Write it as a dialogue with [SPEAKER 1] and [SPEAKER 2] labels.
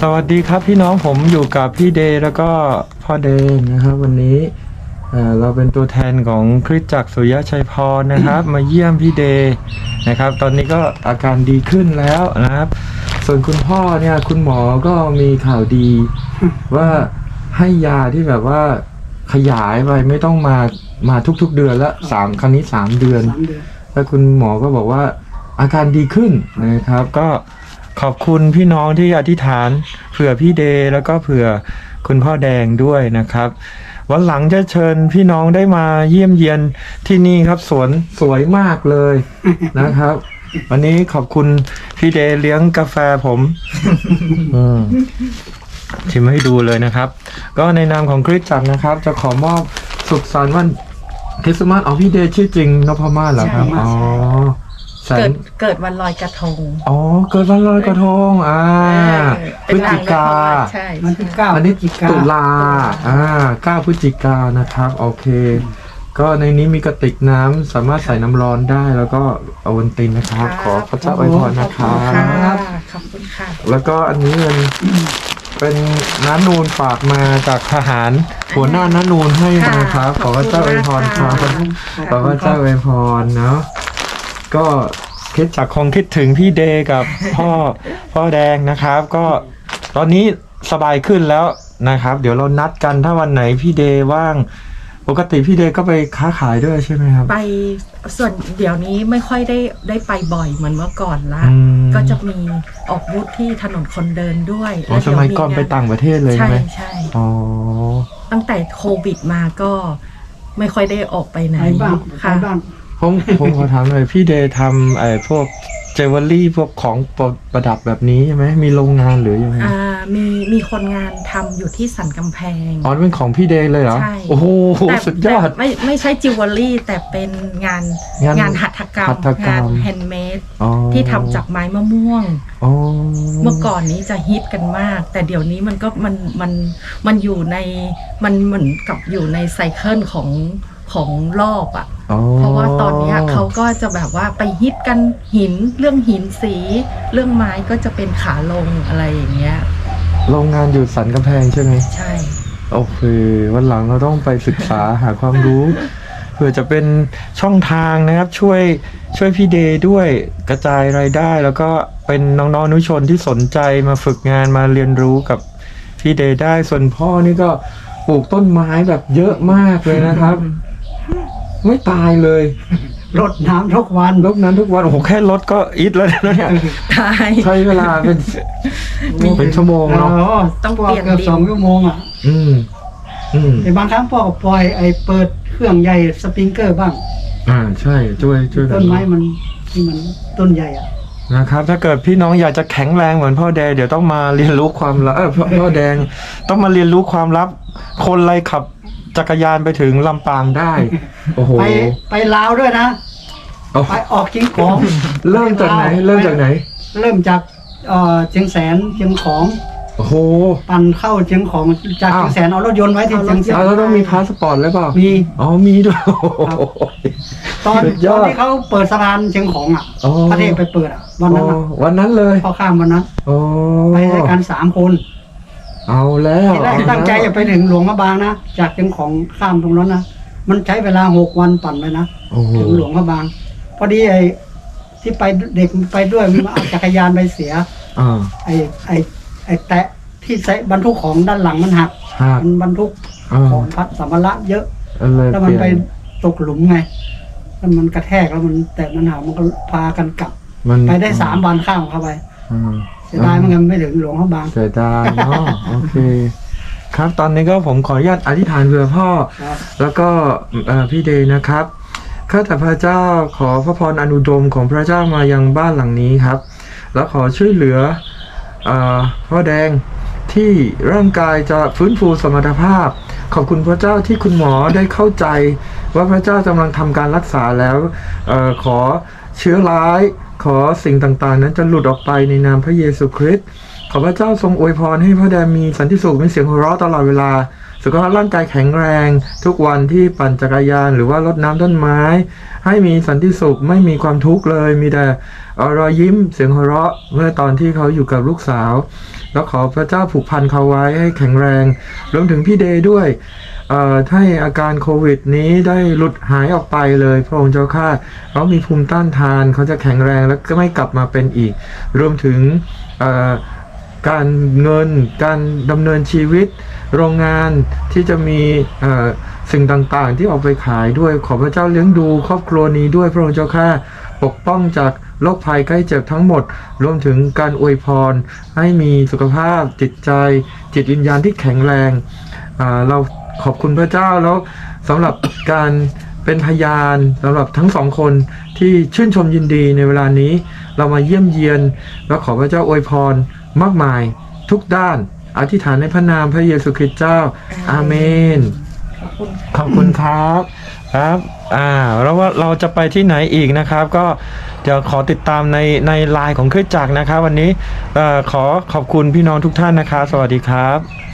[SPEAKER 1] สวัสดีครับพี่น้องผมอยู่กับพี่เดย์แล้วก็พ่อเดย์นะครับวันนี้เราเป็นตัวแทนของคริสตจักรสุริยชัยพรนะครับ มาเยี่ยมพี่เดย์นะครับตอนนี้ก็อาการดีขึ้นแล้วนะครับส่วนคุณพ่อเนี่ยคุณหมอก็มีข่าวดีว่าให้ยาที่แบบว่าขยายไปไม่ต้องมาทุกๆเดือนละครั้งนี้3 เดือนแล้วคุณหมอก็บอกว่าอาการดีขึ้นนะครับก็ขอบคุณพี่น้องที่อธิษฐานเผื่อพี่เดย์แล้วก็เผื่อคุณพ่อแดงด้วยนะครับวันหลังจะเชิญพี่น้องได้มาเยี่ยมเยียนที่นี่ครับสวนสวยมากเลยนะครับวันนี้ขอบคุณพี่เดย์เลี้ยงกาแฟผมชิมให้ดูเลยนะครับก็ในนามของคริสตจักรนะครับจะขอมอบสุขสันต์วันคริสต์มาสพี่เดย์ชื่อจริงนพมาศเหรอครับอ๋อ
[SPEAKER 2] เกิดวันลอยกระทง
[SPEAKER 1] เกิดวันลอยกระทงพฤศจิกา
[SPEAKER 2] ใช่
[SPEAKER 3] มันที่9
[SPEAKER 1] อันนี้ตุลา9 พฤศจิกานะครับโอเคก็ในนี้มีกระติกน้ำสามารถใส่น้ำร้อนได้แล้วก็อวัลตินนะครับขอพระเจ้าอวยพรนะครับ
[SPEAKER 2] ขอบคุณค่ะ
[SPEAKER 1] แล้วก็อันนี้เป็นน้านูนฝากมาจากทหารหัวหน้าน้านูนให้นะครับขอพระเจ้าอวยพรครับขอพระเจ้าอวยพรเนาะก็คิดจากคงคิดถึงพี่เดย์กับพ่อแดงนะครับก็ตอนนี้สบายขึ้นแล้วนะครับเดี๋ยวเรานัดกันถ้าวันไหนพี่เดย์ว่างปกติพี่เดย์ก็ไปค้าขายด้วยใช่ไหมครับ
[SPEAKER 2] ไปส่วนเดี๋ยวนี้ไม่ค่อยได้ไปบ่อยเหมือนเมื่อก่อนละก็จะมีออกบูธที่ถนนคนเดินด้วย
[SPEAKER 1] สมัยก่อนไปต่างประเทศเลยไหม
[SPEAKER 2] ใช่ตั้งแต่โควิดมาก็ไม่ค่อยได้ออกไปไหนค่ะ
[SPEAKER 1] ผมขอถามหน่อยพี่เดย์ทำพวกเจวเวลรี่พวกของประดับแบบนี้ใช่ไหมมีโรงงานหรือยังไง
[SPEAKER 2] มีคนงานทำอยู่ที่สันกำแพง
[SPEAKER 1] เป็นของพี่เดย์เลยเหรอ
[SPEAKER 2] ใช่
[SPEAKER 1] โอ้โหสุดยอด
[SPEAKER 2] ไม่ใช่จิวเวลรี่แต่เป็นงานหัตถกรรมงานแฮนด์เมดที่ทำจากไม้มะม่วงเมื่อก่อนนี้จะฮิตกันมากแต่เดี๋ยวนี้มันอยู่ในมันเหมือนกับอยู่ในไซเคิลของรอบเพราะว่าตอนนี้เขาก็จะแบบว่าไปฮิตกันเรื่องหินสีเรื่องไม้ก็จะเป็นขาลงอะไรอย่างเงี้ย
[SPEAKER 1] โรงงานอยู่สันกำแพงใช่ไหม
[SPEAKER 2] ใช่
[SPEAKER 1] โอเควันหลังเราต้องไปศึกษาหาความรู้เพื่อจะเป็นช่องทางนะครับช่วยพี่เดย์ด้วยกระจายรายได้แล้วก็เป็นน้องๆอนุชนที่สนใจมาฝึกงานมาเรียนรู้กับพี่เดย์ได้ส่วนพ่อนี่ก็ปลูกต้นไม้แบบเยอะมากเลยนะครับไม่ตายเลย
[SPEAKER 3] รดน้ำทุกวัน
[SPEAKER 1] โอ้โหแค่รดก็อิดแล้วเนี่ย
[SPEAKER 2] ตาย
[SPEAKER 1] ใช้เวลาเป็นชั่วโมงเนาะ
[SPEAKER 2] ต้องเปลี่ยนดิน
[SPEAKER 3] 2 ชั่วโมงแต่บางครั้งพ่อก็ปล่อยเปิดเครื่องใหญ่สปริงเกอร์บ้าง
[SPEAKER 1] ใช่ช่วย
[SPEAKER 3] ต้นไม้มันต้นใหญ่
[SPEAKER 1] นะครับถ้าเกิดพี่น้องอยากจะแข็งแรงเหมือนพ่อแดงเดี๋ยวต้องมาเรียนรู้ความลับพ่อแดงต้องมาเรียนรู้ความลับคนไรขับจักรยานไปถึงลำปางได้โอ้โห
[SPEAKER 3] ไปลาวด้วยนะไปออกเชียงของ
[SPEAKER 1] เริ่มจากไหนเริ่มจาก
[SPEAKER 3] เชียงแสนเชียงของ
[SPEAKER 1] โอ้โห
[SPEAKER 3] ปั่นเข้าเชียงของจากเชียงแสนเอารถยนต์ไว้ที่เชียงแสน
[SPEAKER 1] แล้วต้องมีพาสปอร์ตหรือเปล่า
[SPEAKER 3] มี
[SPEAKER 1] มีด้วย
[SPEAKER 3] ตอนที่เขาเปิดสะพานเชียงของพระเทพไปเปิด
[SPEAKER 1] วันนั้นเลย
[SPEAKER 3] พอข้ามวันนั้นไปด้วยกัน3 คน
[SPEAKER 1] เอาแล้ว
[SPEAKER 3] ที่แรกตั้งใจจะไปถึงหลวงพระบางนะจากเชียงของข้ามตรงนั้นนะมันใช้เวลา6 วันปั่นไปนะถึงหลวงพระบางพอดีที่ไปเด็กไปด้วยมันเอาจักรยานไปเสียแตะที่ใส่บรรทุกของด้านหลังมันหักมันบรรทุกของพัดสัมภาระเยอะแล้วมันไปตกหลุมไงแล้วมันกระแทกแล้วมันแต่มันหักมันก็พากันกลับไปได้3 วันข้ามเข้าไปเสียดายมันไม่ถึงหลวงพระบาง
[SPEAKER 1] เสียดายเนาะโอเคครับตอนนี้ก็ผมขออนุญาตอธิษฐานเพื่อพ่อแล้วก็พี่เดย์นะครับข้าแต่พระเจ้าขอพระพรอนุดมของพระเจ้ามายังบ้านหลังนี้ครับแล้วขอช่วยเหลือพ่อแดงที่ร่างกายจะฟื้นฟูสมรรถภาพขอบคุณพระเจ้าที่คุณหมอได้เข้าใจว่าพระเจ้ากำลังทำการรักษาแล้วขอเชื้อร้ายขอสิ่งต่างๆนั้นจะหลุดออกไปในนามพระเยซูคริสต์ขอพระเจ้าทรงอวยพรให้พ่อแดงมีสันติสุขมีเสียงหัวเราะตลอดเวลาสุขภาพร่างกายแข็งแรงทุกวันที่ปั่นจักรยานหรือว่ารดน้ำต้นไม้ให้มีสันติสุขไม่มีความทุกข์เลยมีแต่รอยยิ้มเสียงหัวเราะเมื่อตอนที่เขาอยู่กับลูกสาวแล้วขอพระเจ้าผูกพันเขาไว้ให้แข็งแรงรวมถึงพี่เดย์ด้วยให้อาการโควิดนี้ได้หลุดหายออกไปเลยพระองค์เจ้าข้าเขามีภูมิต้านทานเขาจะแข็งแรงแล้วก็ไม่กลับมาเป็นอีกรวมถึงการเงินการดำเนินชีวิตโรงงานที่จะมีสิ่งต่างๆที่ออกไปขายด้วยขอพระเจ้าเลี้ยงดูครอบครัวนี้ด้วยพระองค์เจ้าข้าปกป้องจากโรคภัยใกล้เจ็บทั้งหมดรวมถึงการอวยพรให้มีสุขภาพจิตใจจิตวิญญาณที่แข็งแรงเราขอบคุณพระเจ้าแล้วสำหรับการเป็นพยานสำหรับทั้งสองคนที่ชื่นชมยินดีในเวลานี้เรามาเยี่ยมเยียนแล้วขอพระเจ้าอวยพรมากมายทุกด้านอธิษฐานในพระนามพระเยซูคริสต์เจ้าอาเมนขอบคุณครับครับแล้วว่าเราจะไปที่ไหนอีกนะครับก็เดี๋ยวขอติดตามในไลน์ของคริสตจักรนะครับวันนี้ขอขอบคุณพี่น้องทุกท่านนะครับสวัสดีครับ